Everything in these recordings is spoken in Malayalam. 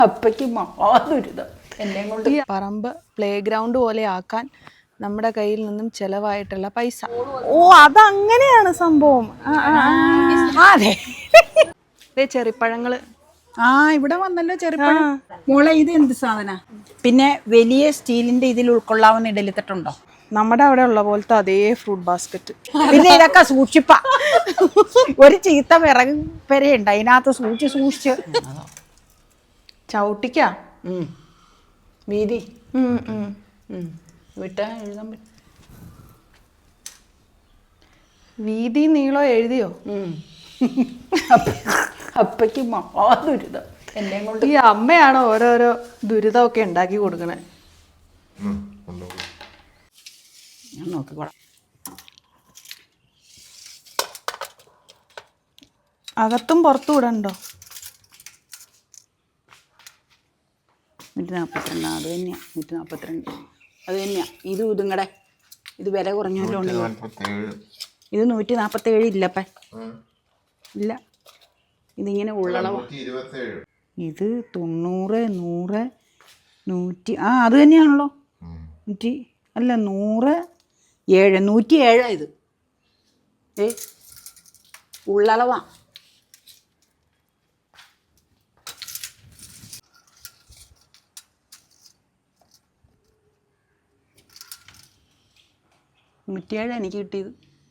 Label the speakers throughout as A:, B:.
A: അപ്പയ്ക്ക് മഹാദുരിതം എന്നെ കൊണ്ട്.
B: ഈ പറമ്പ് പ്ലേ ഗ്രൗണ്ട് പോലെ ആക്കാൻ നമ്മുടെ കയ്യിൽ നിന്നും ചെലവായിട്ടുള്ള പൈസ. ഓ അതങ്ങനെയാണ് സംഭവം.
A: അതെ
B: ചെറിപ്പഴങ്ങള്.
A: ഇവിടെ വന്നല്ലോ ചെറുപ്പഴം. മോളെ ഇത് എന്ത് സാധന? പിന്നെ വലിയ സ്റ്റീലിന്റെ ഇതിൽ ഉൾക്കൊള്ളാവുന്ന ഇഡലിത്തട്ടുണ്ടോ?
B: നമ്മുടെ അവിടെ ഉള്ള പോലത്തെ അതേ ഫ്രൂട്ട് ബാസ്ക്കറ്റ്.
A: പിന്നെ ഇതൊക്കെ സൂക്ഷിപ്പ. ഒരു ചീത്ത വിറക് പെരയുണ്ട് അതിനകത്ത് സൂക്ഷിച്ച്
B: ചവിട്ടിക്കാ
A: വീതി വിട്ടാ എഴുതാൻ പറ്റും.
B: വീതി നീളോ എഴുതിയോ?
A: അപ്പയ്ക്ക് മഹാദുരിതം എന്നെ കൊണ്ട്.
B: ഈ അമ്മയാണ് ഓരോരോ ദുരിതമൊക്കെ ഉണ്ടാക്കി കൊടുക്കണേ.
A: ഞാൻ നോക്കിക്കോളാം.
B: അകത്തും പുറത്തും ഇടണ്ടോ?
A: 142. അത് തന്നെയാ 142. അത് തന്നെയാ ഇതും കൂടെ. ഇത് വില കുറഞ്ഞല്ലോ. ഇത് 147 ഇല്ലപ്പ. ഇല്ല, ഇതിങ്ങനെ ഉള്ളളവാ. ഇത് 90, 100, 100. അത് തന്നെയാണല്ലോ. 100 അല്ല 107. 107 ഇത്. ഉള്ളളവാ. എനിക്ക് കിട്ടിയത്.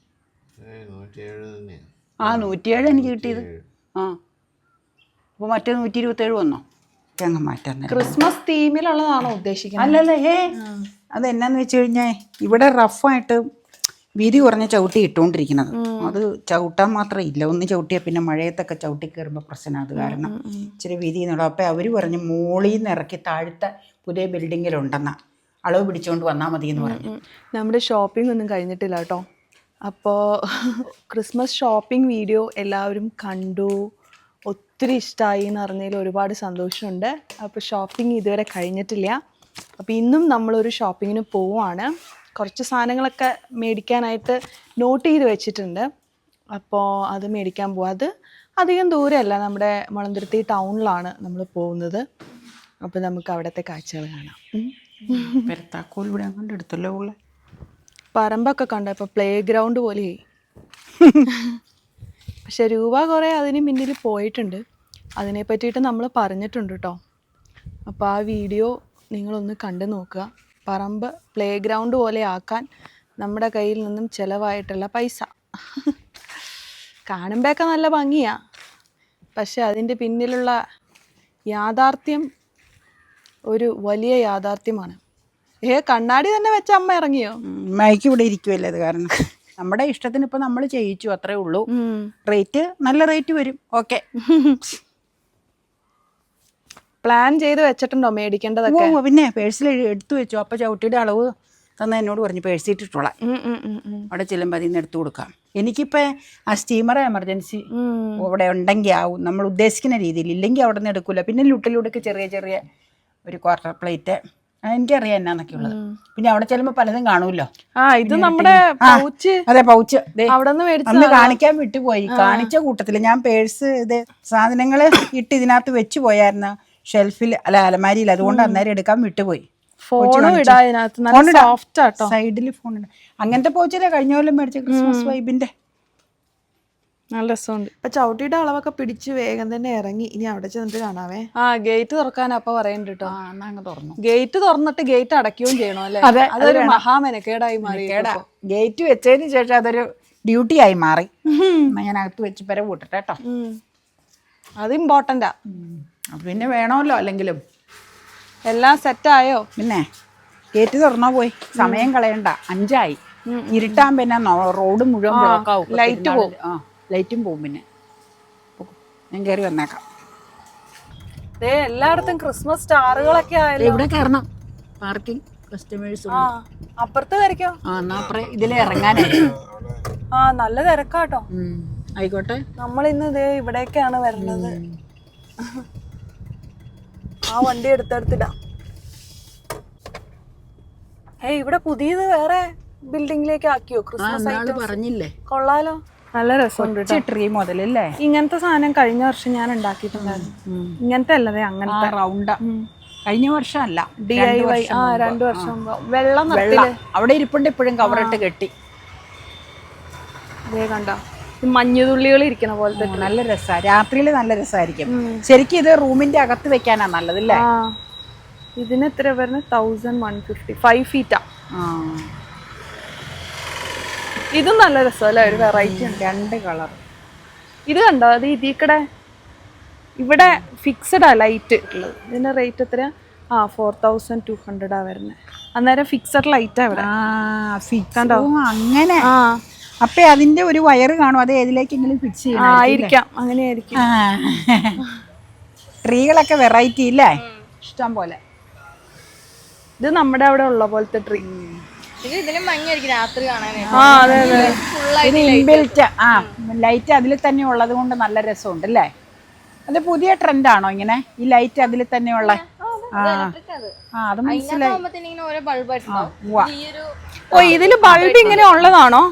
A: 107 എനിക്ക് കിട്ടിയത്. അപ്പൊ മറ്റേ 127 വന്നോ? അങ്ങ് മാറ്റാൻ.
B: ക്രിസ്മസ് തീമിലുള്ളതാണോ ഉദ്ദേശിക്കുന്നത്?
A: അല്ലല്ലേ. അത് എന്നാന്ന് വെച്ച് കഴിഞ്ഞാൽ ഇവിടെ റഫായിട്ട് വീതി കുറഞ്ഞ ചവിട്ടി ഇട്ടുകൊണ്ടിരിക്കുന്നത്. അത് ചവിട്ടാൻ മാത്രം ഇല്ല. ഒന്ന് ചവിട്ടിയാൽ പിന്നെ മഴയത്തൊക്കെ ചവിട്ടി കയറുമ്പോൾ പ്രശ്നം. അത് കാരണം ഇച്ചിരി വീതി എന്നുള്ളത്. അപ്പം അവർ പറഞ്ഞു മോളിൽ നിന്ന് ഇറക്കി താഴത്തെ പുതിയ ബിൽഡിങ്ങിലുണ്ടെന്ന അളവ് പിടിച്ചുകൊണ്ട് വന്നാൽ മതി എന്ന് പറഞ്ഞു.
B: നമ്മുടെ ഷോപ്പിംഗ് ഒന്നും കഴിഞ്ഞിട്ടില്ല കേട്ടോ. അപ്പോൾ ക്രിസ്മസ് ഷോപ്പിംഗ് വീഡിയോ എല്ലാവരും കണ്ടു, ഒത്തിരി ഇഷ്ടമായി എന്ന് പറഞ്ഞതിൽ ഒരുപാട് സന്തോഷമുണ്ട്. അപ്പോൾ ഷോപ്പിംഗ് ഇതുവരെ കഴിഞ്ഞിട്ടില്ല. അപ്പോൾ ഇന്നും നമ്മളൊരു ഷോപ്പിങ്ങിന് പോവുകയാണ്. കുറച്ച് സാധനങ്ങളൊക്കെ മേടിക്കാനായിട്ട് നോട്ട് ചെയ്ത് വെച്ചിട്ടുണ്ട്. അപ്പോൾ അത് മേടിക്കാൻ പോവാം. അത് അധികം ദൂരമല്ല, നമ്മുടെ മുളന്തുരുത്തി ടൗണിലാണ് നമ്മൾ പോകുന്നത്. അപ്പോൾ നമുക്ക് അവിടുത്തെ കാഴ്ചകൾ കാണാം.
A: പെരത്താക്കോൽ ഇവിടെ അങ്ങോട്ട് എടുത്തല്ലോ ഉള്ള
B: പറമ്പൊക്കെ കണ്ടോ? ഇപ്പോൾ പ്ലേ ഗ്രൗണ്ട് പോലെ. പക്ഷെ രൂപ കുറേ അതിന് മുന്നിൽ പോയിട്ടുണ്ട്. അതിനെ പറ്റിയിട്ട് നമ്മൾ പറഞ്ഞിട്ടുണ്ട് കേട്ടോ. അപ്പോൾ ആ വീഡിയോ നിങ്ങളൊന്ന് കണ്ടു നോക്കുക. പറമ്പ് പ്ലേ ഗ്രൗണ്ട് പോലെ ആക്കാൻ നമ്മുടെ കയ്യിൽ നിന്നും ചിലവായിട്ടുള്ള പൈസ. കാണുമ്പോഴൊക്കെ നല്ല ഭംഗിയാണ്, പക്ഷെ അതിൻ്റെ പിന്നിലുള്ള യാഥാർത്ഥ്യം ഒരു വലിയ യാഥാർത്ഥ്യമാണ്. കണ്ണാടി തന്നെ വെച്ച അമ്മ ഇറങ്ങിയോ?
A: മൈക്ക് ഇവിടെ ഇരിക്കുമല്ലേ. അത് കാരണം നമ്മുടെ ഇഷ്ടത്തിന് ഇപ്പം നമ്മൾ ചെയ്യിച്ചു, അത്രേ ഉള്ളൂ. റേറ്റ് നല്ല റേറ്റ് വരും. ഓക്കെ.
B: പ്ലാൻ ചെയ്ത് വെച്ചിട്ടുണ്ടോ മേടിക്കേണ്ടതൊക്കെ?
A: പിന്നെ പേഴ്സിൽ എടുത്തു വെച്ചു. അപ്പം ചവിട്ടിയുടെ അളവ് തന്നെ എന്നോട് പറഞ്ഞു പേഴ്സിട്ടിട്ടോളാം. അവിടെ ചെല്ലുമ്പോൾ അതിൽ നിന്ന് എടുത്തു കൊടുക്കാം. എനിക്കിപ്പോൾ ആ സ്റ്റീമർ എമർജൻസി അവിടെ ഉണ്ടെങ്കിൽ ആവും, നമ്മൾ ഉദ്ദേശിക്കുന്ന രീതിയിൽ. ഇല്ലെങ്കിൽ അവിടെ നിന്ന് എടുക്കില്ല. പിന്നെ ലുട്ടിലൂടെയൊക്കെ ചെറിയ ചെറിയ ഒരു ക്വാർട്ടർ പ്ലേറ്റ് എനിക്കറിയാം എന്നാന്നൊക്കെ ഉള്ളത്. പിന്നെ അവിടെ ചെല്ലുമ്പോൾ പലതും കാണുമല്ലോ.
B: ഇത് നമ്മുടെ പൗച്ച്.
A: അതെ, പൗച്ച്.
B: അന്ന്
A: കാണിക്കാൻ വിട്ടുപോയി. കാണിച്ച കൂട്ടത്തില് ഞാൻ പേഴ്സ് ഇത് സാധനങ്ങൾ ഇട്ട് ഇതിനകത്ത് വെച്ച് പോയായിരുന്നു ഷെൽഫിൽ, അല്ല അലമാരിയിൽ. അതുകൊണ്ട് അന്നേരം എടുക്കാൻ വിട്ടുപോയി. സൈഡിൽ ഫോൺ ഇടാം. അങ്ങനത്തെ പൗച്ചല്ലേ കഴിഞ്ഞ കൊല്ലം മേടിച്ച ക്രിസ്മസ് വൈബിന്റെ.
B: നല്ല രസമുണ്ട്. ഇപ്പൊ ചവിട്ടിയുടെ അളവൊക്കെ പിടിച്ച് വേഗം തന്നെ ഇറങ്ങി. ഇനി അവിടെ ചെന്നിട്ട് കാണാവേ. ഗേറ്റ് തുറക്കാൻ അപ്പൊ പറയുന്നുണ്ട് കേട്ടോ.
A: അങ്ങ് തുറന്നു.
B: ഗേറ്റ് തുറന്നിട്ട് ഗേറ്റ് അടയ്ക്കുകയും ചെയ്യണോ അല്ലേ? അതൊരു മഹാമെനക്കേടായി മാറി.
A: ഗേറ്റ് വെച്ചതിന് ശേഷം അതൊരു ഡ്യൂട്ടി ആയി മാറി. ഞാൻ അകത്ത് വെച്ച് പെര കൂട്ടട്ടെ കേട്ടോ.
B: അത് ഇമ്പോർട്ടന്റാ.
A: പിന്നെ വേണമല്ലോ. അല്ലെങ്കിലും
B: എല്ലാം സെറ്റായോ?
A: പിന്നെ ഗേറ്റ് തുറന്നോ പോയി. സമയം കളയണ്ട. 5 ആയി. ഇരുട്ടാൻ പിന്നെ റോഡ് മുഴുവൻ ബ്ലോക്ക് ആവും.
B: ലൈറ്റ് പോകും.
A: ലൈറ്റും പോവും. പിന്നെ ഞാൻ കയറി വന്നേക്കാം.
B: എല്ലായിടത്തും ക്രിസ്മസ് സ്റ്റാറുകളൊക്കെ ആയല്ലോ.
A: ഇവിടെ കയറണം. പാർക്കിംഗ് കസ്റ്റമേഴ്സ്
B: അപ്പുറത്ത് കയറിക്കോ.
A: ഇതിലെ ഇറങ്ങാനായി.
B: നല്ല തിരക്കാട്ടോ.
A: ആയിക്കോട്ടെ.
B: നമ്മൾ ഇന്ന് ഇവിടേക്കാണ് വരുന്നത്. ആ വണ്ടി എടുത്തെടുത്തിടാം. ഇവിടെ പുതിയത് വേറെ ബിൽഡിംഗിലേക്ക് ആക്കിയോ? ക്രിസ്മസ്
A: പറഞ്ഞില്ലേ?
B: കൊള്ളാലോ. നല്ല രസമുണ്ട്
A: ട്രീ മുതലല്ലേ.
B: ഇങ്ങനത്തെ സാധനം കഴിഞ്ഞ വർഷം ഞാൻ ഉണ്ടാക്കിയിട്ടുണ്ടായിരുന്നു. ഇങ്ങനത്തെ അല്ലതേ അങ്ങനത്തെ
A: റൗണ്ട. കഴിഞ്ഞ വർഷം അല്ല,
B: DIY. 2 വർഷം മുമ്പ്. വെള്ളം നിറത്തില്
A: അവിടെ ഇരിപ്പുണ്ട് ഇപ്പോഴും, കവറിട്ട് കെട്ടി.
B: ഇതേ കണ്ടോ, മഞ്ഞുതുള്ളികൾ ഇരിക്കണ പോലത്തെ.
A: നല്ല രസമാണ്, രാത്രിയിൽ നല്ല രസമായിരിക്കും. ശരിക്കും ഇത് റൂമിന്റെ അകത്ത് വെക്കാനാ നല്ലതല്ലേ.
B: ഇതിന് എത്ര വരുന്നത്? 1150. 5 ഫീറ്റാ. ഇതും നല്ല രസമല്ലേ, ഒരു വെറൈറ്റി ഉണ്ട്.
A: 2 കളർ.
B: ഇത് കണ്ടോ, അത് ഇതിക്കടെ ഇവിടെ ഫിക്സഡാ ലൈറ്റ് ഉള്ളത്. ഇതിന്റെ റേറ്റ് എത്രയാ? 4200 വരുന്നത്. അന്നേരം ഫിക്സഡ് ലൈറ്റാ ഇവിടെ.
A: കണ്ടോ അങ്ങനെ. അപ്പൊ അതിന്റെ ഒരു വയറ് കാണും, അത് ഏതിലേക്കെങ്കിലും ഫിക്സ് ചെയ്യണം.
B: ആയിരിക്കാം, അങ്ങനെയായിരിക്കും.
A: ട്രീകളൊക്കെ വെറൈറ്റി ഇല്ലേ, ഇഷ്ടം പോലെ.
B: ഇത് നമ്മുടെ അവിടെ ഉള്ള പോലത്തെ ട്രീ.
C: ഇതിലും ഭംഗിയായിരിക്കും രാത്രി കാണാനായിട്ട്.
B: അതെ അതെ.
A: ഇൻബിൽറ്റ് ലൈറ്റ് അതിൽ തന്നെ ഉള്ളത് കൊണ്ട് നല്ല രസമുണ്ട് അല്ലേ. അത് പുതിയ ട്രെൻഡാണോ ഇങ്ങനെ ഈ ലൈറ്റ് അതിൽ തന്നെയുള്ള? അത് മനസ്സിലായി.
B: ഇതില് ബൾബ് ഇങ്ങനെ ഉള്ളതാണോ?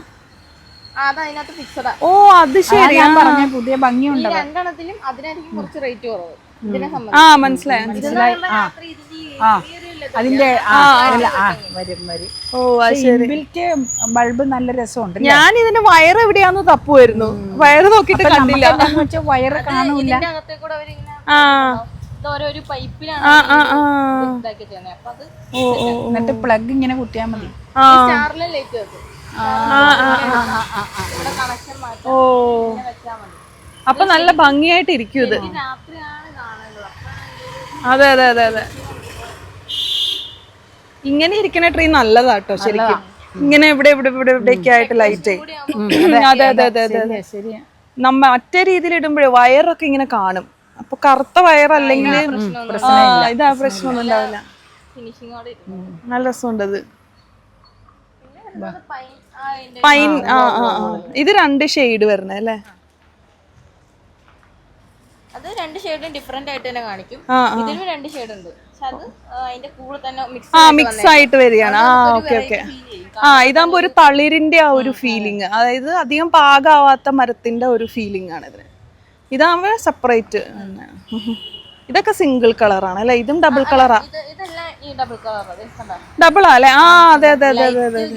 B: ഓ അത് ശരി,
A: ഞാൻ പറഞ്ഞ പുതിയ ഭംഗിയുണ്ട്.
C: രണ്ടെണ്ണത്തിലും അതിനായിരിക്കും കുറച്ച് റേറ്റ് കുറവ്.
B: മനസ്സിലായി.
A: അതിന്റെ വരും.
B: ഓ അത് ശരി.
A: ഇൻബിൽറ്റ് ബൾബ് നല്ല രസമുണ്ട്.
B: ഞാൻ ഇതിന്റെ വയറ് എവിടെയാന്ന് തപ്പുമായിരുന്നു, വയറ് നോക്കിട്ട് കണ്ടില്ല.
A: വയറ് കാണൂല.
C: ഒരു പൈപ്പിലാണ്
A: എന്നിട്ട് പ്ലഗ് ഇങ്ങനെ കുത്തിയാ മതി.
C: സ്റ്റാറിലെ ലൈറ്റ് വെക്കും.
B: ഓ അപ്പൊ നല്ല ഭംഗിയായിട്ട് ഇരിക്കും ഇത്. അതെ അതെ അതെ അതെ. ഇങ്ങനെ ഇരിക്കുന്ന ട്രീ നല്ലതാട്ടോ ശരിക്കും. ഇങ്ങനെ ഇവിടെ ഇവിടെ ഇവിടെ ഇവിടെയൊക്കെ ആയിട്ട് ലൈറ്റ്. അതെ അതെ അതെ അതെ
A: ശരിയാ.
B: നമ്മ മറ്റേ രീതിയിൽ ഇടുമ്പോഴേ വയറൊക്കെ ഇങ്ങനെ കാണും. അപ്പൊ കറുത്ത വയറല്ലെങ്കിൽ ഇതാ പ്രശ്നമൊന്നും ഉണ്ടാവില്ല. നല്ല രസമുണ്ട് അത്. പൈൻ. ഇത് 2 ഷെയ്ഡ് വരുന്നേ അല്ലേ?
C: അത് 2 ഷെയ്ഡും ഡിഫറെന്റ് ആയിട്ട് തന്നെ കാണിക്കും. ഇതിലും 2 ഷെയ്ഡ് ഉണ്ട്. അത് അതിന്റെ കൂടെ തന്നെ
B: മിക്സ് ആയിട്ട് വരികയാണ്. Okay okay. ഇതാകുമ്പോ ഒരു തളിരിന്റെ ആ ഒരു ഫീലിംഗ്, അതായത് അധികം പാകാവാത്ത മരത്തിന്റെ ഒരു ഫീലിംഗ് ആണ് ഇതിന്. ഇതാകുമ്പോ സെപ്പറേറ്റ്. ഇതൊക്കെ സിംഗിൾ കളറാണ് അല്ലെ? ഇതും ഡബിൾ കളറാ? ഡബിളാ അല്ലെ? അതെ അതെ അതെ അതെ അതെ.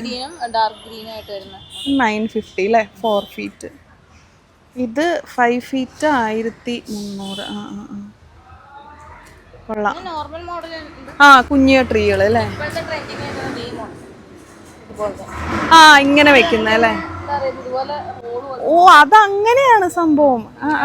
B: 950 അല്ലേ? 4 ഫീറ്റ്. ഇത് 5 ഫീറ്റ് 1300. കൊള്ളാം. കുഞ്ഞിയ ട്രീകൾ അല്ലേ? ഇങ്ങനെ വെക്കുന്ന അല്ലേ? ഓ അതങ്ങനെയാണ് സംഭവം.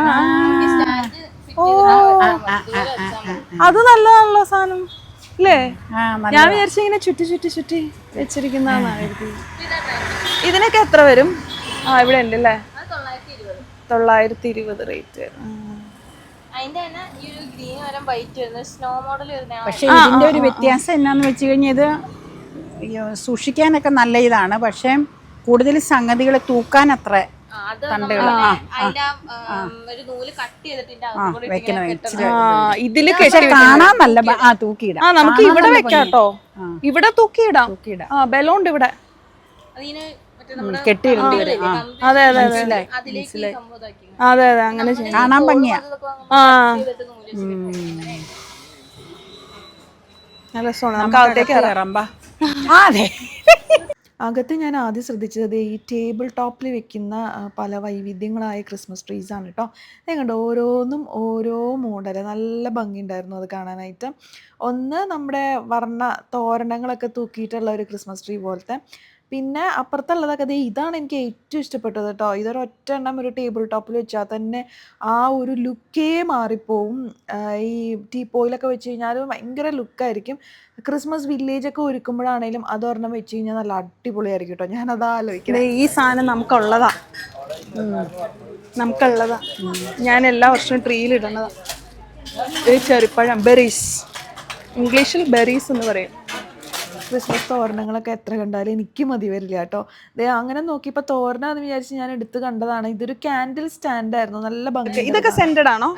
B: അത് നല്ലതാണല്ലോ സാധനം അല്ലേ? ഞാൻ വിചാരിച്ച ഇങ്ങനെ ചുറ്റി ചുറ്റി ചുറ്റി വെച്ചിരിക്കുന്നതാണ്. ഇതിനൊക്കെ എത്ര വരും? ഇവിടെ ഉണ്ട് അല്ലേ? 920 റേറ്റ് വരും.
A: പക്ഷെ ഇതിന്റെ ഒരു വ്യത്യാസം എന്നാന്ന് വെച്ച് കഴിഞ്ഞാൽ ഇത് സൂക്ഷിക്കാനൊക്കെ നല്ല ഇതാണ്, പക്ഷെ കൂടുതൽ സംഗതികൾ തൂക്കാൻ അത്ര
B: ഇതില്
A: കാണാൻ നല്ല തൂക്കിയിടാം.
B: നമുക്ക് ഇവിടെ വെക്കാട്ടോ, ഇവിടെ തൂക്കിയിടാം. ബലൂണ്ട് ഇവിടെ
A: കെട്ടിയിടേണ്ടി വരും.
B: അതെ അതെ അതെ അതെ അതെ അങ്ങനെ
A: കാണാൻ ഭംഗിയാ.
B: നല്ല രസമാണ്. നമുക്ക് അകത്തേക്ക് ഇറങ്ങാം.
A: അതെ.
B: അകത്ത് ഞാൻ ആദ്യം ശ്രദ്ധിച്ചത് ഈ ടേബിൾ ടോപ്പിൽ വെക്കുന്ന പല വൈവിധ്യങ്ങളായ ക്രിസ്മസ് ട്രീസ് ആണ് കേട്ടോ. കണ്ടോ, ഓരോന്നും ഓരോ മോഡല്, നല്ല ഭംഗിയുണ്ടായിരുന്നു അത് കാണാനായിട്ട്. ഒന്ന് നമ്മുടെ വർണ്ണ തോരണങ്ങളൊക്കെ തൂക്കിയിട്ടുള്ള ഒരു ക്രിസ്മസ് ട്രീ പോലത്തെ. പിന്നെ അപ്പുറത്തുള്ളതൊക്കെ ഇതാണ് എനിക്ക് ഏറ്റവും ഇഷ്ടപ്പെട്ടത് കേട്ടോ. ഇതൊരൊറ്റ എണ്ണം ഒരു ടേബിൾ ടോപ്പിൽ വെച്ചാൽ തന്നെ ആ ഒരു ലുക്കേ മാറിപ്പോവും. ഈ ടീപ്പോയിലൊക്കെ വെച്ച് കഴിഞ്ഞാൽ ഭയങ്കര ലുക്കായിരിക്കും. ക്രിസ്മസ് വില്ലേജൊക്കെ ഒരുക്കുമ്പോഴാണേലും അതൊരെണ്ണം വെച്ച് കഴിഞ്ഞാൽ നല്ല അടിപൊളിയായിരിക്കും കേട്ടോ. ഞാനത് ആലോചിക്കുന്നത്. ഈ സാധനം നമുക്കുള്ളതാ. ഞാൻ എല്ലാ വർഷവും ട്രീയിലിടുന്നതാ. ഒരു ചെറുപ്പഴം, ബെറീസ്, ഇംഗ്ലീഷിൽ ബെറീസ് എന്ന് പറയും. ക്രിസ്മസ് തോരണങ്ങളൊക്കെ എത്ര കണ്ടാലും എനിക്ക് മതി വരില്ല കേട്ടോ. അങ്ങനെ നോക്കിയപ്പോൾ തോരണാന്ന് വിചാരിച്ച് ഞാൻ എടുത്ത് കണ്ടതാണ്. ഇതൊരു ക്യാൻഡിൽ സ്റ്റാൻഡ് ആയിരുന്നു, നല്ല ഭംഗി. ഇതൊക്കെ സെന്റഡ് ആണോ?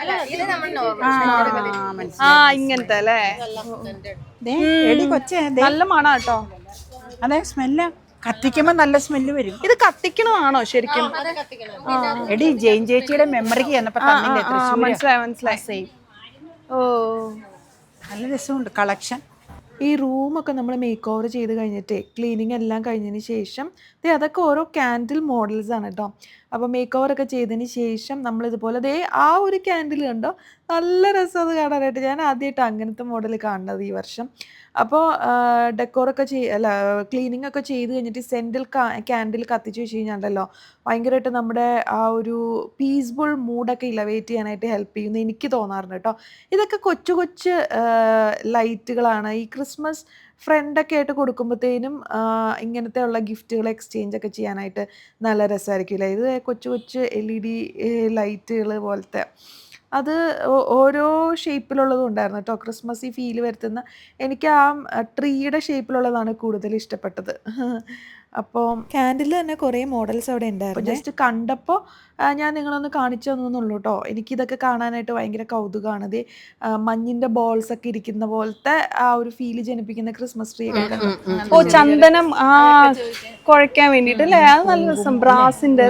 B: ഇങ്ങനത്തെ അല്ലേ? നല്ല മണ കേട്ടോ.
A: അതെ, സ്മെല്ല. കത്തിക്കുമ്പോ നല്ല സ്മെല്ല് വരും.
B: ഇത് കത്തിക്കണതാണോ ശരിക്കും?
A: എടി ജെയിൻ ചേച്ചിയുടെ മെമ്മറിക്ക് ചെന്നപ്പോ തന്നില്ലേ തൃശ്ശൂര്.
B: മനസ്സിലായി. ഓ,
A: നല്ല രസമുണ്ട് കളക്ഷൻ.
B: ഈ റൂമൊക്കെ നമ്മൾ മേക്ക് ഓവർ ചെയ്ത് കഴിഞ്ഞിട്ട് ക്ലീനിങ് എല്ലാം കഴിഞ്ഞതിന് ശേഷം അതൊക്കെ ഓരോ ക്യാൻഡിൽ മോഡൽസ് ആണ് കേട്ടോ. അപ്പോൾ മേക്ക് ഓവറൊക്കെ ചെയ്തതിന് ശേഷം നമ്മളിതുപോലെ ആ ഒരു ക്യാൻഡിൽ കണ്ടോ, നല്ല രസം അത് കാണാനായിട്ട്. ഞാൻ ആദ്യമായിട്ട് അങ്ങനത്തെ മോഡൽ കാണുന്നത് ഈ വർഷം. അപ്പോൾ ഡെക്കോറൊക്കെ ക്ലീനിങ് ഒക്കെ ചെയ്ത് കഴിഞ്ഞിട്ട് സെൻറ്റിൽ ക്യാൻഡിൽ കത്തിച്ച് വെച്ച് കഴിഞ്ഞാണ്ടല്ലോ ഭയങ്കരമായിട്ട് നമ്മുടെ ആ ഒരു പീസ്ഫുൾ മൂഡൊക്കെ ഇലവേറ്റ് ചെയ്യാനായിട്ട് ഹെൽപ്പ് ചെയ്യുമെന്ന് എനിക്ക് തോന്നാറുണ്ട് കേട്ടോ. ഇതൊക്കെ കൊച്ചു കൊച്ചു ലൈറ്റുകളാണ്. ഈ ക്രിസ്മസ് ഫ്രണ്ടൊക്കെ ആയിട്ട് കൊടുക്കുമ്പോഴത്തേനും ഇങ്ങനത്തെ ഉള്ള ഗിഫ്റ്റുകൾ എക്സ്ചേഞ്ച് ഒക്കെ ചെയ്യാനായിട്ട് നല്ല രസമായിരിക്കില്ലേ. ഇത് കൊച്ചു കൊച്ചു LED ലൈറ്റുകൾ പോലത്തെ അത് ഓരോ ഷേപ്പിലുള്ളതും ഉണ്ടായിരുന്നു കേട്ടോ. ക്രിസ്മസ് ഈ ഫീല് വരുത്തുന്ന എനിക്ക് ആ ട്രീയുടെ ഷേപ്പിലുള്ളതാണ് കൂടുതൽ ഇഷ്ടപ്പെട്ടത്. അപ്പോൾ ക്യാൻഡിൽ തന്നെ കുറേ മോഡൽസ് അവിടെ ഉണ്ടായിരുന്നു. ജസ്റ്റ് കണ്ടപ്പോൾ ഞാൻ നിങ്ങളൊന്ന് കാണിച്ചു തന്നുള്ളൂ കേട്ടോ. എനിക്കിതൊക്കെ കാണാനായിട്ട് ഭയങ്കര കൗതുകമാണ്. ഇത് മഞ്ഞിൻ്റെ ബോൾസ് ഒക്കെ ഇരിക്കുന്ന പോലത്തെ ആ ഒരു ഫീല് ജനിപ്പിക്കുന്ന ക്രിസ്മസ് ട്രീ ഒക്കെ. ഓ, ചന്ദനം കുഴയ്ക്കാൻ വേണ്ടിയിട്ട് അല്ലേ? അത് നല്ല രസം. ബ്രാസിൻ്റെ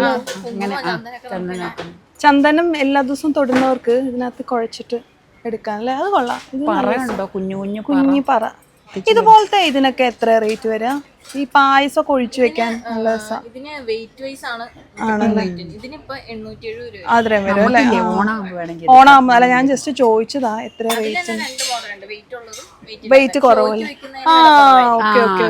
B: ചന്ദനം എല്ലാ ദിവസവും തൊടുന്നവർക്ക് ഇതിനകത്ത് കുഴച്ചിട്ട് എടുക്കാൻ അല്ലേ? അത് കൊള്ളാം.
A: പറ
B: കുഞ്ഞു പറ ഇതുപോലത്തെ ഇതിനൊക്കെ എത്ര റേറ്റ് വരിക? ഈ പായസമൊക്കെ ഒഴിച്ചു വെക്കാൻ നല്ല രസം.
C: ഇതിന് വെയിറ്റ് വൈസ് ആണ് ആണല്ലേ? ഇതിനിപ്പോ 870 രൂപ
B: അത്രയും വരും അല്ലേ? ഓണാകുമ്പോ അല്ല, ഞാൻ ജസ്റ്റ് ചോദിച്ചതാ എത്ര റേറ്റ്. വെയിറ്റ് കുറവല്ലേ? Okay okay.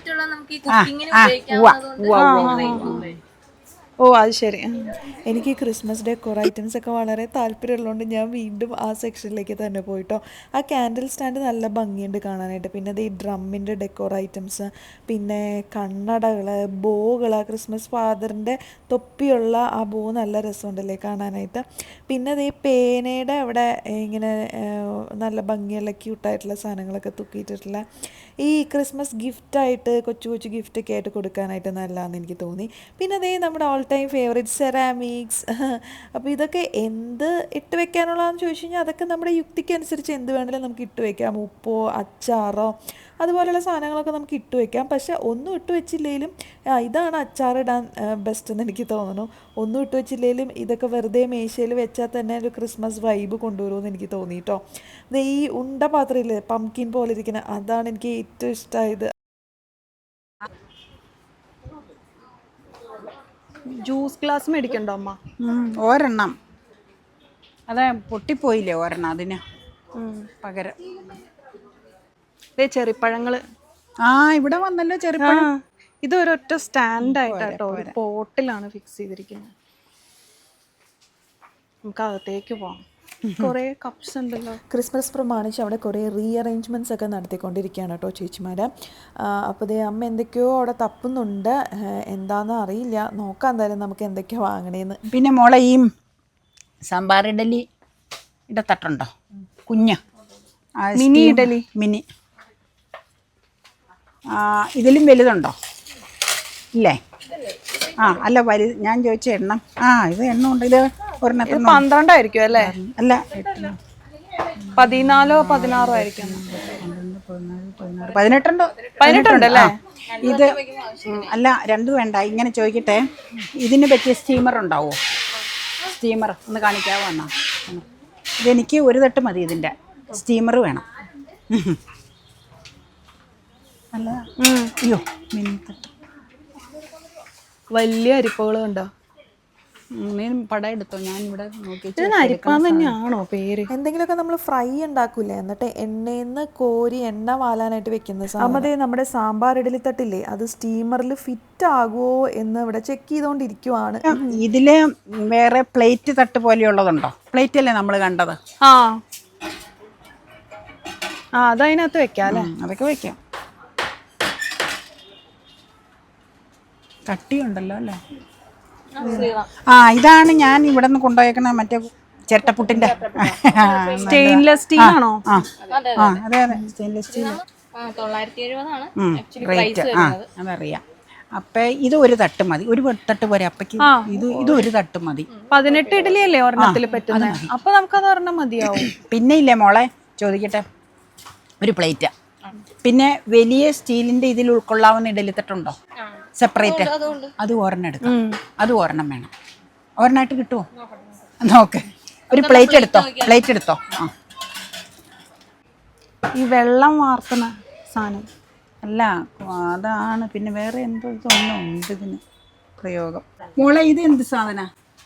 B: ഓ, അത് ശരി. എനിക്ക് ക്രിസ്മസ് ഡെക്കോർ ഐറ്റംസ് ഒക്കെ വളരെ താല്പര്യമുള്ളതുകൊണ്ട് ഞാൻ വീണ്ടും ആ സെക്ഷനിലേക്ക് തന്നെ പോയിട്ടോ. ആ ക്യാൻഡിൽ സ്റ്റാൻഡ് നല്ല ഭംഗിയുണ്ട് കാണാനായിട്ട്. പിന്നെ അത് ഈ ഡ്രമ്മിൻ്റെ ഡെക്കോർ ഐറ്റംസ്, പിന്നെ കണ്ണടകൾ, ബോകൾ, ആ ക്രിസ്മസ് ഫാദറിൻ്റെ തൊപ്പിയുള്ള ആ ബോ നല്ല രസമുണ്ടല്ലേ കാണാനായിട്ട്. പിന്നെ അത് ഈ പേനയുടെ അവിടെ ഇങ്ങനെ നല്ല ഭംഗിയുള്ള ക്യൂട്ടായിട്ടുള്ള സാധനങ്ങളൊക്കെ തൂക്കിയിട്ടിട്ടുള്ള ഈ ക്രിസ്മസ് ഗിഫ്റ്റായിട്ട് കൊച്ചു കൊച്ചു ഗിഫ്റ്റൊക്കെ ആയിട്ട് കൊടുക്കാനായിട്ട് നല്ലതാണെന്ന് എനിക്ക് തോന്നി. പിന്നെ അതേ നമ്മുടെ ഓൾ ടൈം ഫേവറേറ്റ് സെറാമിക്സ്. അപ്പോൾ ഇതൊക്കെ എന്ത് ഇട്ട് വെക്കാനുള്ളതെന്ന് ചോദിച്ചു കഴിഞ്ഞാൽ അതൊക്കെ നമ്മുടെ യുക്തിക്കനുസരിച്ച് എന്ത് വേണമെങ്കിലും നമുക്ക് ഇട്ട് വെക്കാം. ഉപ്പോ അച്ചാറോ അതുപോലെയുള്ള സാധനങ്ങളൊക്കെ നമുക്ക് ഇട്ട് വെക്കാം. പക്ഷേ ഒന്നും ഇട്ട് വെച്ചില്ലെങ്കിലും ഇതാണ് അച്ചാറിടാൻ ബെസ്റ്റ് എന്ന് എനിക്ക് തോന്നുന്നു. ഒന്നും ഇട്ട് വെച്ചില്ലെങ്കിലും ഇതൊക്കെ വെറുതെ മേശയിൽ വെച്ചാൽ തന്നെ ഒരു ക്രിസ്മസ് വൈബ് കൊണ്ടുവരുമെന്ന് എനിക്ക് തോന്നി കേട്ടോ. ഇത് ഈ ഉണ്ട പാത്രമില്ലേ, പംകിൻ പോലെ ഇരിക്കുന്ന, അതാണ് എനിക്ക് ഏറ്റവും ഇഷ്ടമായത്. ജ്യൂസ് ഗ്ലാസ് മേടിക്കണ്ടോ അമ്മ?
A: ഒരെണ്ണം അതെ പൊട്ടിപ്പോയില്ലേ ഒരെണ്ണം, അതിന് പകരം
B: ചെറിപ്പഴങ്ങള്.
A: ഇവിടെ വന്നല്ലോ ചെറിപ്പഴം.
B: ഇത് ഒരൊറ്റ സ്റ്റാൻഡ് ആയിട്ടോ, ഒരു പോട്ടിലാണ് ഫിക്സ് ചെയ്തിരിക്കുന്നത്. നമുക്ക് അകത്തേക്ക് പോവാം. കുറേ കപ്സ് ഉണ്ടല്ലോ. ക്രിസ്മസ് പ്രമാണിച്ച് അവിടെ കുറേ റീഅറേഞ്ച്മെൻറ്റ്സ് ഒക്കെ നടത്തിക്കൊണ്ടിരിക്കുകയാണ് കേട്ടോ ചേച്ചിമാർ. അപ്പോൾ ദേ അമ്മ എന്തൊക്കെയോ അവിടെ തപ്പുന്നുണ്ട്. എന്താണെന്ന് അറിയില്ല, നോക്കാം എന്തായാലും നമുക്ക് എന്തൊക്കെയോ വാങ്ങണേന്ന്.
A: പിന്നെ മോളെ ഈ സാമ്പാർ ഇഡലി ഇടത്തട്ടുണ്ടോ കുഞ്ഞ്?
B: മിനി ഇഡലി.
A: മിനി ഇതിലും വലുതുണ്ടോ? ഇല്ലേ? അല്ല വലുത് ഞാൻ ചോദിച്ച എണ്ണം. ഇത് എണ്ണം ഉണ്ട്. ഇത് ഒരെണ്ണത്തിന്
B: 12 ആയിരിക്കും അല്ലേ?
A: അല്ല
B: 14 16 ആയിരിക്കും.
A: 18 ഉണ്ടല്ലേ? ഇത് അല്ല, രണ്ടും വേണ്ട. ഇങ്ങനെ ചോദിക്കട്ടെ, ഇതിന് പറ്റിയ സ്റ്റീമർ ഉണ്ടാവോ? സ്റ്റീമർ ഒന്ന് കാണിക്കാവോ എന്നാ? ഇതെനിക്ക് ഒരു തട്ട് മതി. ഇതിൻ്റെ സ്റ്റീമർ വേണം. നല്ലതാ. അയ്യോ, മിനി തട്ട്
B: വലിയ അരിപ്പകൾ ഉണ്ടോ?
A: നീ പടം എടുത്തോ, ഞാൻ ഇവിടെ നോക്കി.
B: അരിപ്പാന്ന് തന്നെയാണോ പേര്? എന്തെങ്കിലുമൊക്കെ നമ്മൾ ഫ്രൈ ഉണ്ടാക്കൂലേ, എന്നിട്ട് എണ്ണയിൽ കോരി എണ്ണ വാലാനായിട്ട് വെക്കുന്ന സാധനം. നമ്മുടെ സാമ്പാർ ഇഡലി തട്ടില്ലേ, അത് സ്റ്റീമറിൽ ഫിറ്റ് ആകുമോ എന്ന് ഇവിടെ ചെക്ക് ചെയ്തോണ്ടിരിക്കുവാണ്.
A: ഇതില് വേറെ പ്ലേറ്റ് തട്ട് പോലെയുള്ളതുണ്ടോ? പ്ലേറ്റ് അല്ലേ നമ്മൾ കണ്ടത്?
B: അതതിനകത്ത് വെക്കാം അല്ലേ?
A: അതൊക്കെ വെക്കാം. കട്ടിയുണ്ടല്ലോ അല്ലേ? ഇതാണ് ഞാൻ ഇവിടെ നിന്ന് കൊണ്ടുപോയേക്കണ മറ്റേ ചിരട്ടപ്പുട്ടിന്റെ
B: സ്റ്റെയിൻലെസ് സ്റ്റീൽ ആണോ?
A: അതെ അതെ, സ്റ്റെയിൻലെസ് സ്റ്റീൽ.
C: 970
A: അതറിയാം. അപ്പൊ ഇത് ഒരു തട്ട് മതി. ഒരു തട്ട് പോരെ അപ്പക്ക്? ഇത് ഒരു തട്ട് മതി.
B: 18 ഇഡലി അല്ലേ ഒരെണ്ണത്തിൽ പറ്റുന്നത്? അപ്പൊ നമുക്കത് ഒരെണ്ണം മതിയാവും.
A: പിന്നെ ഇല്ലേ മോളെ, ചോദിക്കട്ടെ, ഒരു പ്ലേറ്റ്. പിന്നെ വലിയ സ്റ്റീലിന്റെ ഇതിൽ ഉൾക്കൊള്ളാവുന്ന ഇഡലി തട്ടുണ്ടോ? സെപ്പറേറ്റ്
C: അതുകൊണ്ട്
A: അത് ഒരെണ്ണം എടുക്കാം. അത് ഒരെണ്ണം വേണം. ഒരെണ്ണമായിട്ട് കിട്ടുമോ നോക്ക്. ഒരു പ്ലേറ്റ് എടുത്തോ. ആ
B: ഈ വെള്ളം വാർത്തണ സാധനം
A: അല്ല അതാണ്. പിന്നെ വേറെ എന്തോ ഇതൊന്നും ഉണ്ട് ഇതിന് പ്രയോഗം. മോളെ ഇത് എന്ത് സാധന?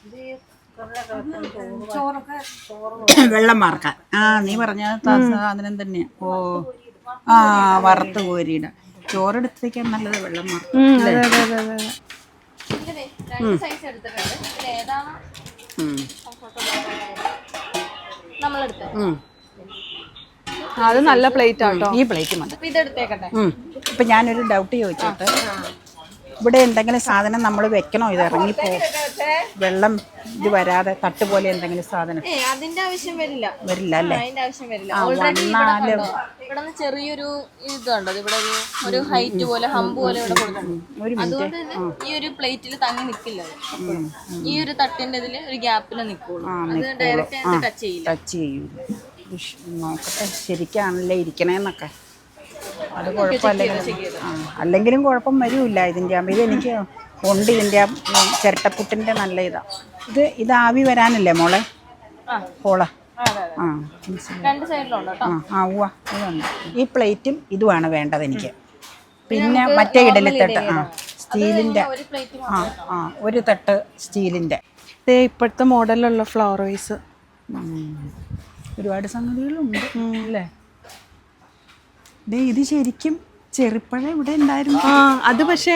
A: വെള്ളം വാർക്കാൻ. നീ പറഞ്ഞ സാധനം തന്നെയാ. ഓ വറുത്ത് കോരിയിടാം. ചോറെടുത്തേക്കാൻ നല്ലത് വെള്ളം വാർക്കാൻ.
C: രണ്ട് സൈസ് എടുത്തിട്ടുണ്ട്. ഇതിൽ ഏതാണ് നമ്മളെടുത്തത്?
B: അത് നല്ല പ്ലേറ്റ് ആട്ടോ.
A: ഈ പ്ലേറ്റ് മതി.
C: ഇതെടുത്തേക്കട്ടെ.
A: ഇപ്പൊ ഞാനൊരു ഡൗട്ട് ചോദിച്ചോട്ടെ. ഇവിടെ എന്തെങ്കിലും സാധനം നമ്മൾ വെക്കണോ? ഇത് ഇറങ്ങിപ്പോ വെള്ളം ഇത് വരാതെ തട്ട് പോലെ എന്തെങ്കിലും സാധനം
C: അതിന്റെ ആവശ്യം വരില്ല
A: അല്ലേ?
C: അതിന്റെ ആവശ്യം വരില്ല. ഓൾറെഡി ഇവിടെ ചെറിയൊരു ഇതുണ്ട്. ഇവിടെ ഒരു ഹൈറ്റ് പോലെ ഹമ്പ് പോലെ ഇവിടെ കൊടുക്കുന്നുണ്ട്. അതുകൊണ്ട് തന്നെ ഈ ഒരു പ്ലേറ്റിൽ തങ്ങി നിൽക്കില്ല. ഈ ഒരു തട്ടിന്റെ ഇതില് ഒരു ഗ്യാപ്പിൽ നിൽക്കുള്ളൂ. അത് ഡയറക്റ്റ് ടച്ച് ചെയ്യില്ല.
A: നോക്കട്ടെ ശരിക്കാണല്ലേ ഇരിക്കണേന്നൊക്കെ. അത് കുഴപ്പമില്ലെങ്കിലും അല്ലെങ്കിലും കുഴപ്പം വരില്ല. ഇതിൻ്റെ ആകുമ്പോൾ ഇതെനിക്ക് ഉണ്ട്. ഇതിൻ്റെ ചിരട്ടപ്പുട്ടിൻ്റെ നല്ല ഇത് ആവി വരാനല്ലേ മോളെ? പോള
C: രണ്ട് സൈഡിലുണ്ട്.
A: ഇതുണ്ട്. ഈ പ്ലേറ്റും ഇതുമാണ് വേണ്ടത് എനിക്ക്. പിന്നെ മറ്റേ ഇഡലിത്തട്ട് സ്റ്റീലിൻ്റെ ഒരു തട്ട് സ്റ്റീലിൻ്റെ.
B: ഇപ്പോഴത്തെ മോഡലുള്ള ഫ്ലവർ വൈസ്
A: ഒരുപാട് സംഗതികളുണ്ട് അല്ലേ? ഇത് ശരിക്കും ചെറുപ്പഴ ഇവിടെ ഉണ്ടായിരുന്നു.
B: അത് പക്ഷേ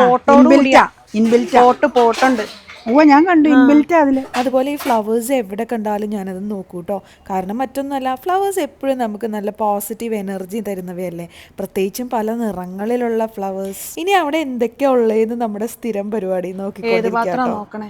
B: പോട്ടുണ്ട്.
A: ഞാൻ കണ്ടു ഇൻബിൽറ്റ് അതില്.
D: അതുപോലെ ഈ ഫ്ലവേഴ്സ് എവിടെ കണ്ടാലും ഞാനത് നോക്കൂ കേട്ടോ. കാരണം മറ്റൊന്നുമല്ല, ഫ്ലവേഴ്സ് എപ്പോഴും നമുക്ക് നല്ല പോസിറ്റീവ് എനർജി തരുന്നവയല്ലേ, പ്രത്യേകിച്ചും പല നിറങ്ങളിലുള്ള ഫ്ലവേഴ്സ്. ഇനി അവിടെ എന്തൊക്കെയാ ഉള്ളതെന്ന് നമ്മുടെ സ്ഥിരം പരിപാടി
B: നോക്കണേ.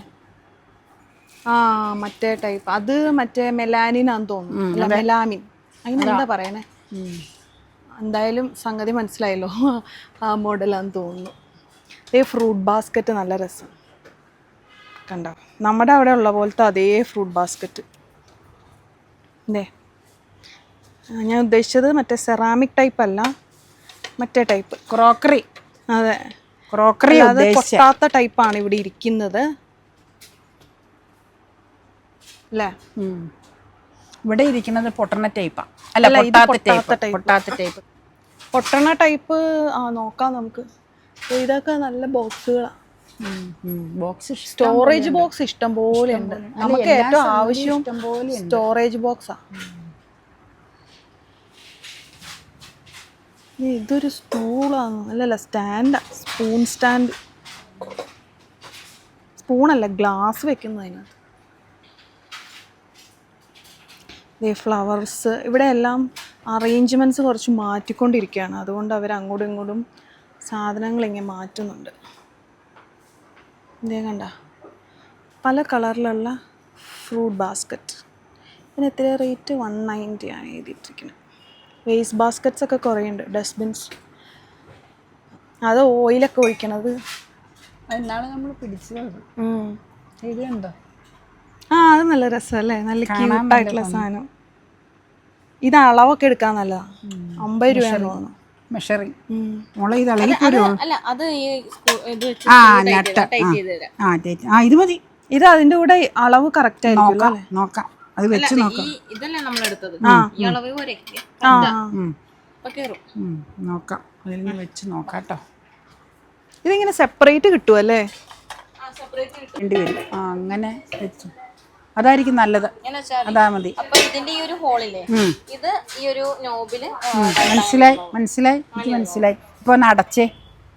B: മറ്റേ ടൈപ്പ് അത് മറ്റേ മെലാനിനാന്ന് തോന്നുന്നു. മെലാമിൻ അതിനെന്താ പറയണേ? എന്തായാലും സംഗതി മനസ്സിലായല്ലോ. ആ മോഡലാന്ന് തോന്നുന്നു. ഫ്രൂട്ട് ബാസ്ക്കറ്റ് നല്ല രസം കണ്ടോ? നമ്മുടെ അവിടെ ഉള്ള പോലത്തെ അതേ ഫ്രൂട്ട് ബാസ്ക്കറ്റ്. ഞാൻ ഉദ്ദേശിച്ചത് മറ്റേ സെറാമിക് ടൈപ്പ് അല്ല, മറ്റേ ടൈപ്പ്
A: ക്രോക്കറി.
B: അതെ,
A: ക്രോക്കറി.
B: അത് പൊട്ടാത്ത ടൈപ്പാണ് ഇവിടെ ഇരിക്കുന്നത് അല്ലേ?
A: ഇവിടെ ഇരിക്കുന്നത് പൊട്ടണ ടൈപ്പാ. അല്ല, പൊട്ടാത്ത ടൈപ്പ്.
B: പൊട്ടണ ടൈപ്പ് നോക്കാം നമുക്ക്. ഇതൊക്കെ നല്ല ബോക്സുകളാണ്. സ്റ്റോറേജ് ബോക്സ് ഇഷ്ടം പോലെ ഉണ്ട്. നമുക്ക് ഏറ്റവും ആവശ്യം സ്റ്റോറേജ് ബോക്സാ. ഇതൊരു സ്റ്റൂളാണ്. അല്ലല്ല, സ്റ്റാൻഡാ. Spoon stand. സ്പൂണല്ല, ഗ്ലാസ് വെക്കുന്നതിനകത്ത്. ഫ്ലവേഴ്സ് ഇവിടെ എല്ലാം അറേഞ്ച്മെൻറ്റ്സ് കുറച്ച് മാറ്റിക്കൊണ്ടിരിക്കുകയാണ്. അതുകൊണ്ട് അവർ അങ്ങോട്ടും ഇങ്ങോട്ടും സാധനങ്ങൾ ഇങ്ങനെ മാറ്റുന്നുണ്ട്. ഇതേ കണ്ട പല കളറിലുള്ള ഫ്രൂട്ട് ബാസ്ക്കറ്റ്. ഇതിന് എത്ര റേറ്റ്? 190 ആണ് എഴുതിയിട്ടിരിക്കുന്നത്. വേസ്റ്റ് ബാസ്ക്കറ്റ്സ് ഒക്കെ കുറേ ഉണ്ട്. ഡസ്റ്റ്ബിൻസ്. അത് ഓയിലൊക്കെ ഒഴിക്കണത്
A: എന്നാണ് നമ്മൾ പിടിച്ചത്. ഇത് കണ്ടോ?
B: അത് നല്ല രസമല്ലേ? നല്ല ക്യൂട്ടായിട്ടുള്ള സാധനം. ഇത് അളവൊക്കെ എടുക്കാൻ നല്ലതാ. 50 രൂപയാണെന്ന് തോന്നുന്നു.
A: മെഷറിങ്. ഇത് മതി.
B: ഇത് അതിന്റെ കൂടെ അളവ് കറക്റ്റ് ആയിരിക്കും.
A: നോക്കാം, അത് വെച്ച് നോക്കാം. നോക്കാം, അതിൽ നിന്ന് വെച്ച് നോക്കാട്ടോ.
B: ഇതിങ്ങനെ സെപ്പറേറ്റ് കിട്ടുമല്ലേ?
A: വേണ്ടി വരും. അങ്ങനെ വെച്ചു, അതായിരിക്കും നല്ലത്. അതാ മതി.
C: അപ്പൊ ഇതിന്റെ ഈ ഒരു ഹോളില്ലേ, ഇത് ഈ ഒരു നോബില്
A: മനസ്സിലായി. എനിക്ക് മനസ്സിലായി. ഇപ്പൊ ഒന്ന് അടച്ചേ.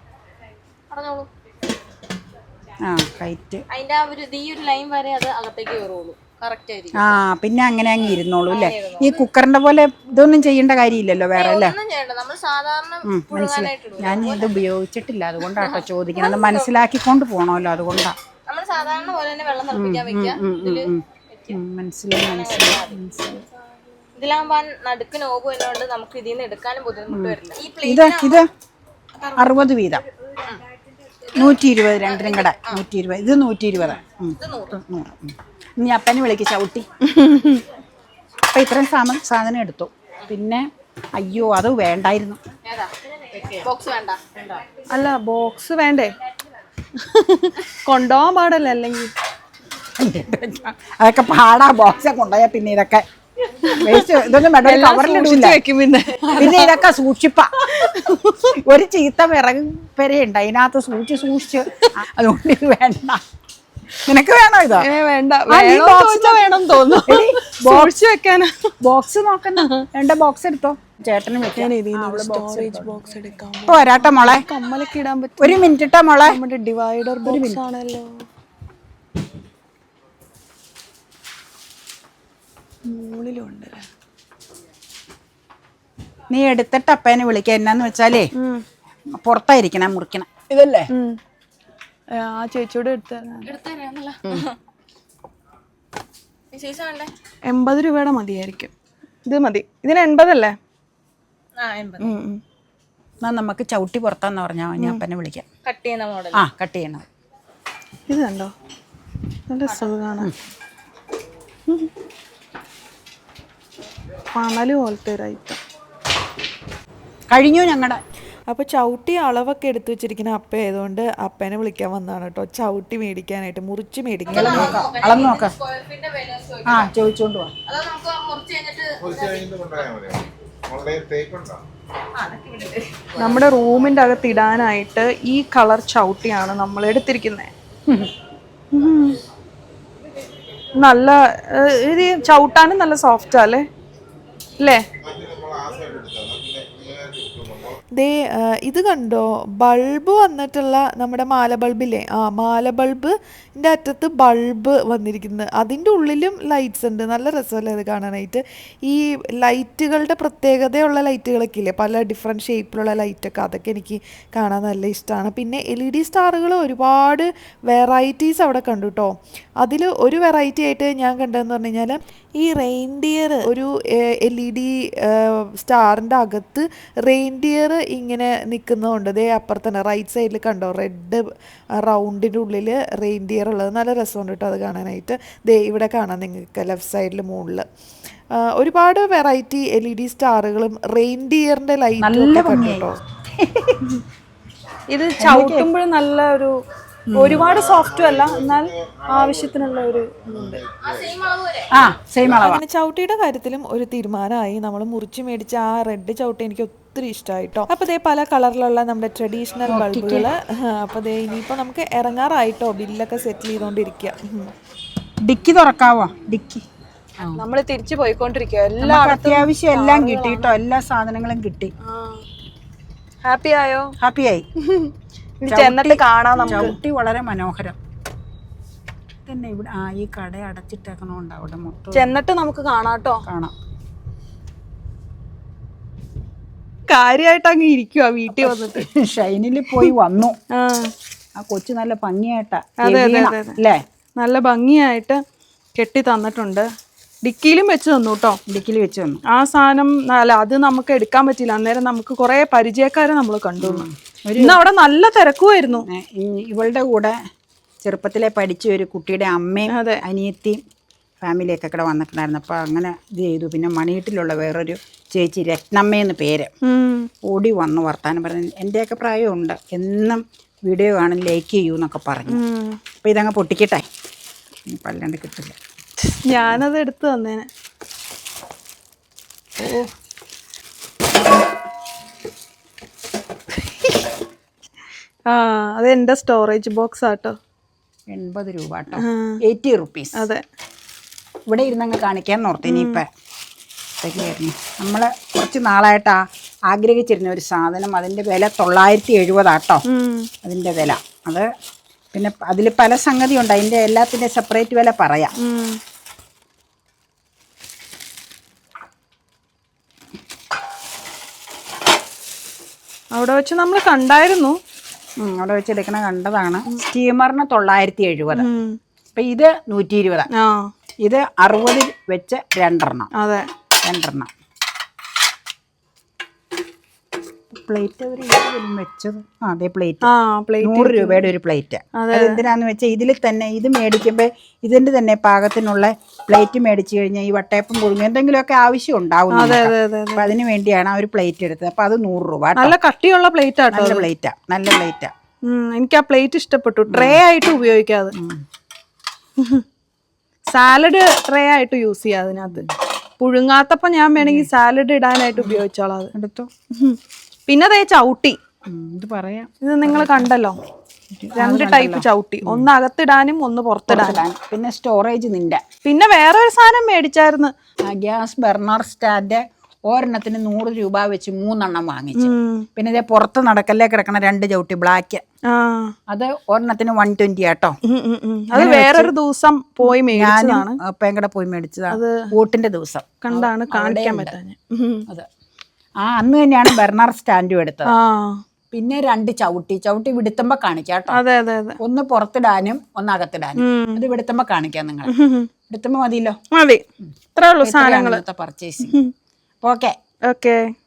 A: കയറ്റ്.
C: അതിന്റെ ആ ഒരു ഈ ഒരു ലൈൻ വരെ അത് അകത്തേക്ക് കയറുള്ളൂ. കറക്റ്റ് ആയിരിക്കും.
A: പിന്നെ അങ്ങനെ അങ്ങ് ഇരുന്നോളൂ അല്ലേ? ഈ കുക്കറിന്റെ പോലെ ഇതൊന്നും ചെയ്യേണ്ട കാര്യമില്ലല്ലോ വേറെ അല്ലേ? മനസ്സിലായി. ഞാൻ ഇത് ഉപയോഗിച്ചിട്ടില്ല, അതുകൊണ്ടാട്ടോ ചോദിക്കുന്നത്. മനസ്സിലാക്കിക്കൊണ്ട് പോണല്ലോ, അതുകൊണ്ടാ.
C: നമ്മൾ സാധാരണ പോലെ തന്നെ വെള്ളം തിളപ്പിക്കാൻ വെക്കാം.
A: മനസ്സിലായി.
C: ഇതിലാകുമ്പോ നടുക്ക് നോബ് എന്നോണ്ട് നമുക്ക് ഇതിൽ നിന്ന് എടുക്കാനും ബുദ്ധിമുട്ട് വരില്ല.
A: ഇത് 60 വീതം 120, രണ്ടിനും കൂടെ 120. ഇത് 120. ഇനി അപ്പനെ വിളിക്ക് ചവിട്ടി. അപ്പൊ ഇത്രയും സാധനം എടുത്തു. പിന്നെ അയ്യോ, അത് വേണ്ടായിരുന്നു.
C: ബോക്സ് വേണ്ട.
B: അല്ല, ബോക്സ് വേണ്ടേ? കൊണ്ടുപോകാൻ പാടല്ലേ അല്ലെങ്കിൽ.
A: അതൊക്കെ പാടാ. ബോക്സെ കൊണ്ടുപോയാൽ പിന്നെ ഇതൊക്കെ ഇതൊന്നും കവറിലിടില്ല. പിന്നെ ഇതൊക്കെ സൂക്ഷിപ്പ. ഒരു ചീത്ത വിറക് പെരയുണ്ട്, അതിനകത്ത് സൂക്ഷിച്ച്. അതുകൊണ്ട് ഇത് വേണ്ട. നിനക്ക് വേണോ ഇതാ?
B: വേണ്ട, വേണം തോന്നുന്നു.
A: ബോക്സ് നോക്കുന്ന വേണ്ട. ബോക്സ് എടുത്തോ. ചേട്ടന്
B: സ്റ്റോറേജ് ബോക്സ് എടുക്കാം.
A: വരാട്ടെ മോളെ.
B: കമ്മലൊക്കെ ഇടാൻ പറ്റും.
A: ഒരു മിനിറ്റ് ഇട്ടാ മോളെ.
B: നമ്മുടെ ഡിവൈഡർ ബോക്സ് ആണല്ലോ. മുകളിലുണ്ട്.
A: നീ എടുത്തിട്ട് അപ്പേനെ വിളിക്ക. എന്നാന്ന് വെച്ചാലേ പുറത്തായിരിക്കണം മുറിക്കണം. ഇതല്ലേ
B: ആ ചേച്ചിയോട് എടുത്ത 80 രൂപയുടെ മതിയായിരിക്കും. ഇത് മതി. ഇതിന് 80 അല്ലേ?
A: എന്നാ നമുക്ക് ചവിട്ടി പുറത്താന്ന് പറഞ്ഞാൽ ഞാൻ അപ്പനെ വിളിക്കാം.
C: കട്ട് ചെയ്യുന്ന മോഡൽ.
A: ആ കട്ട് ചെയ്യണം.
B: ഇത് കണ്ടോ, നല്ല സുഖമാണ്. പണല് പോലത്തെ ഒരു ഐറ്റം
A: കഴിഞ്ഞു ഞങ്ങളുടെ.
D: അപ്പോൾ ചവിട്ടി അളവൊക്കെ എടുത്തു വെച്ചിരിക്കുന്ന അപ്പ ആയതുകൊണ്ട് അപ്പേനെ വിളിക്കാൻ വന്നതാണ് കേട്ടോ. ചവിട്ടി മേടിക്കാനായിട്ട്, മുറിച്ച് മേടിക്കാൻ.
A: അളന്ന് നോക്കാം. ആ ചോദിച്ചോണ്ട് പോവാ.
B: നമ്മുടെ റൂമിന്റെ അകത്ത് ഇടാനായിട്ട് ഈ കളർ ചവിട്ടിയാണ് നമ്മൾ എടുത്തിരിക്കുന്നത്. നല്ല ഇത് ചവിട്ടാനും നല്ല സോഫ്റ്റ് അല്ലേ അല്ലേ?
D: ദേ ഇത് കണ്ടോ, ബൾബ് വന്നിട്ടുള്ള നമ്മുടെ മാല ബൾബില്ലേ, ആ മാല ബൾബിൻ്റെ അറ്റത്ത് ബൾബ് വന്നിരിക്കുന്നത്. അതിൻ്റെ ഉള്ളിലും ലൈറ്റ്സ് ഉണ്ട്. നല്ല രസമല്ലേ അത് കാണാനായിട്ട്. ഈ ലൈറ്റുകളുടെ പ്രത്യേകതയുള്ള ലൈറ്റുകളൊക്കെ ഇല്ലേ, പല ഡിഫറെൻറ്റ് ഷേപ്പിലുള്ള ലൈറ്റൊക്കെ, അതൊക്കെ എനിക്ക് കാണാൻ നല്ല ഇഷ്ടമാണ്. പിന്നെ LED സ്റ്റാറുകൾ ഒരുപാട് വെറൈറ്റീസ് അവിടെ കണ്ടു കേട്ടോ. അതിൽ ഒരു വെറൈറ്റി ആയിട്ട് ഞാൻ കണ്ടതെന്ന് പറഞ്ഞു കഴിഞ്ഞാൽ ഈ റെയിൻഡിയർ, ഒരു LED സ്റ്റാറിൻ്റെ അകത്ത് റെയിൻഡിയർ ഇങ്ങനെ നിൽക്കുന്നതുകൊണ്ട്. ദേ അപ്പുറത്ത് തന്നെ റൈറ്റ് സൈഡിൽ കണ്ടോ, റെഡ് റൗണ്ടിൻ്റെ ഉള്ളിൽ റെയിൻഡിയർ ഉള്ളത്. നല്ല രസമുണ്ട് കേട്ടോ അത് കാണാനായിട്ട്. ദേ ഇവിടെ കാണാം നിങ്ങൾക്ക് ലെഫ്റ്റ് സൈഡിൽ മുകളിൽ ഒരുപാട് വെറൈറ്റി LED സ്റ്റാറുകളും റെയിൻഡിയറിൻ്റെ ലൈറ്റും ഒക്കെ കണ്ടു കേട്ടോ.
B: ഇത് ചവിട്ടുമ്പോഴും നല്ല ഒരു, ഒരുപാട് സോഫ്റ്റും അല്ല, എന്നാൽ ആവശ്യത്തിനുള്ള ഒരു ഇതുണ്ട്.
D: അങ്ങനെ ചവിട്ടിയുടെ കാര്യത്തിലും ഒരു തീരുമാനമായി. നമ്മൾ മുറിച്ച് മേടിച്ച ആ റെഡ് ചവിട്ടി എനിക്ക് ഒത്തിരി ഇഷ്ടമായിട്ടോ. അപ്പോൾ ദേ പല കളറിലുള്ള നമ്മുടെ ട്രഡീഷണൽ ബൾബുകൾ. അപ്പോൾ ദേ ഇനിയിപ്പോൾ നമുക്ക് ഇറങ്ങാറായിട്ടോ. ബില്ലൊക്കെ സെറ്റിൽ ചെയ്തുകൊണ്ടിരിക്കുക.
A: ഡിക്കി തുറക്കാവോ? ഡിക്കി
B: നമ്മൾ തിരിച്ചു പോയിക്കൊണ്ടിരിക്കുക.
A: അത്യാവശ്യം എല്ലാം കിട്ടി കേട്ടോ. എല്ലാ സാധനങ്ങളും കിട്ടി.
B: ഹാപ്പി ആയോ?
A: ഹാപ്പിയായി.
B: ചെന്നിട്ട് കാണാം.
A: ചവിട്ടി വളരെ മനോഹരം തന്നെ. ഇവിടെ ഈ കട അടച്ചിട്ടേക്കണോണ്ട് അവിടെ മൊത്തം
B: ചെന്നിട്ട് നമുക്ക് കാണാട്ടോ.
A: കാണാം.
B: കാര്യമായിട്ട് അങ്ങ് ഇരിക്കുക വീട്ടിൽ വന്നിട്ട്.
A: ഷൈനിൽ പോയി വന്നു. ആ കൊച്ചു നല്ല ഭംഗിയായിട്ടാ
B: അല്ലേ, നല്ല ഭംഗിയായിട്ട് കെട്ടി തന്നിട്ടുണ്ട്. ഡിക്കിയിലും വെച്ച് തന്നു കേട്ടോ.
A: ഡിക്കിയിൽ വെച്ച് തന്നു.
B: ആ സാധനം അല്ല, അത് നമുക്ക് എടുക്കാൻ പറ്റില്ല. അന്നേരം നമുക്ക് കുറെ പരിചയക്കാരെ നമ്മൾ കണ്ടു. ഇന്ന് അവിടെ നല്ല തിരക്കുമായിരുന്നു.
A: ഇവളുടെ കൂടെ ചെറുപ്പത്തിലെ പഠിച്ച ഒരു കുട്ടിയുടെ അമ്മയും അനിയത്തിയും ഫാമിലിയൊക്കെ കൂടെ വന്നിട്ടുണ്ടായിരുന്നു. അപ്പോൾ അങ്ങനെ ഇത് ചെയ്തു. പിന്നെ മണിയീട്ടിലുള്ള വേറൊരു ചേച്ചി രത്നമ്മയെന്ന് പേര് ഓടി വന്നു വർത്താനം പറഞ്ഞു. എൻ്റെയൊക്കെ പ്രായമുണ്ട്, എന്നും വീഡിയോ കാണും, ലൈക്ക് ചെയ്യൂ എന്നൊക്കെ പറഞ്ഞു. അപ്പോൾ ഇതങ്ങ് പൊട്ടിക്കട്ടെ, ഇപ്പം അല്ലാണ്ട് കിട്ടില്ല.
B: ഞാനത് എടുത്തു തന്നേനെ. ഓ അത് എൻ്റെ സ്റ്റോറേജ് ബോക്സ് ആട്ടോ.
A: 80 രൂപ കേട്ടോ. 80 rupees.
B: അതെ,
A: ഇവിടെ ഇരുന്നങ്ങ് കാണിക്കാൻ ഓർത്ത്. ഇനിയിപ്പോൾ നമ്മൾ കുറച്ച് നാളായിട്ട് ആഗ്രഹിച്ചിരുന്ന ഒരു സാധനം, അതിൻ്റെ വില 970 ആട്ടോ. അതിൻ്റെ വില അത് പിന്നെ അതിൽ പല സംഗതി ഉണ്ട്. അതിൻ്റെ എല്ലാത്തിൻ്റെ സെപ്പറേറ്റ് വില പറയാം.
B: അവിടെ വെച്ച് നമ്മൾ കണ്ടായിരുന്നു.
A: അവിടെ വെച്ച് എടുക്കണ കണ്ടതാണ്. സ്റ്റീമറിന് 970. അപ്പം ഇത് 120. ഇത് 60 വെച്ച് 2
B: അതെ,
A: 2 പ്ലേറ്റ് വെച്ചത്. അതെ, പ്ലേറ്റ് 100 രൂപയുടെ ഒരു പ്ലേറ്റ്. അതെന്തിനാന്ന് വെച്ചാൽ ഇതിൽ തന്നെ ഇത് മേടിക്കുമ്പോൾ ഇതിൻ്റെ തന്നെ പാകത്തിനുള്ള പ്ലേറ്റ് മേടിച്ചു കഴിഞ്ഞാൽ ഈ വട്ടയപ്പം പുഴുങ്ങി എന്തെങ്കിലുമൊക്കെ ആവശ്യം ഉണ്ടാവും. അപ്പം അതിന് വേണ്ടിയാണ് ആ ഒരു പ്ലേറ്റ് എടുത്തത്. അപ്പം അത് 100 രൂപ.
B: നല്ല കട്ടിയുള്ള പ്ലേറ്റ്.
A: നല്ല പ്ലേറ്റാ, നല്ല പ്ലേറ്റാ.
B: എനിക്ക് ആ പ്ലേറ്റ് ഇഷ്ടപ്പെട്ടു. ട്രേ ആയിട്ട് ഉപയോഗിക്കാതെ, സാലഡ് ട്രേ ആയിട്ട് യൂസ് ചെയ്യാം അതിനകത്ത്. പുഴുങ്ങാത്തപ്പോ ഞാൻ വേണമെങ്കിൽ സാലഡ് ഇടാനായിട്ട് ഉപയോഗിച്ചോളാം അത്.
A: എടുത്തോ.
B: പിന്നെ ദേ ചവിട്ടി,
A: ഇത് പറയാം.
B: ഇത് നിങ്ങൾ കണ്ടല്ലോ, 2 ടൈപ്പ് ചവിട്ടി, ഒന്ന് അകത്തിടാനും ഒന്ന് പുറത്തിടാനും.
A: പിന്നെ സ്റ്റോറേജ് നിന്റെ.
B: പിന്നെ വേറെ ഒരു സാധനം മേടിച്ചായിരുന്നു,
A: ഗ്യാസ് ബർണർ സ്റ്റാൻഡ്. ഒരെണ്ണത്തിന് 100 രൂപ വെച്ച് 3 എണ്ണം വാങ്ങിച്ചു. പിന്നെ ഇതേ പുറത്ത് നടക്കല്ലേ കിടക്കണ 2 ചവിട്ടി ബ്ലാക്ക്, അത് ഒരെണ്ണത്തിന് 120 ആട്ടോ.
B: അത് വേറൊരു ദിവസം പോയി മേടിച്ചതാണ്,
A: അപ്പയും പോയി മേടിച്ചതാണ്, വോട്ടിന്റെ ദിവസം
B: കണ്ടാണ് കാണിക്കാൻ പറ്റാഞ്ഞ.
A: അത് അന്ന് തന്നെയാണ് ബർണർ സ്റ്റാൻഡും എടുത്തത്. പിന്നെ 2 ചവിട്ടി വിടുത്തുമ്പോ കാണിക്കാട്ടോ.
B: അതെ അതെ അതെ,
A: ഒന്ന് പുറത്തിടാനും ഒന്ന് അകത്തിടാനും. അത് വിടുത്തുമ്പോ കാണിക്കാം നിങ്ങൾ. വിടുത്തുമ്പോ മതിയല്ലോ,
B: മതി. ഇത്രേ ഉള്ളൂ സാധനങ്ങൾ
A: പർച്ചേസിങ്. ഓക്കെ.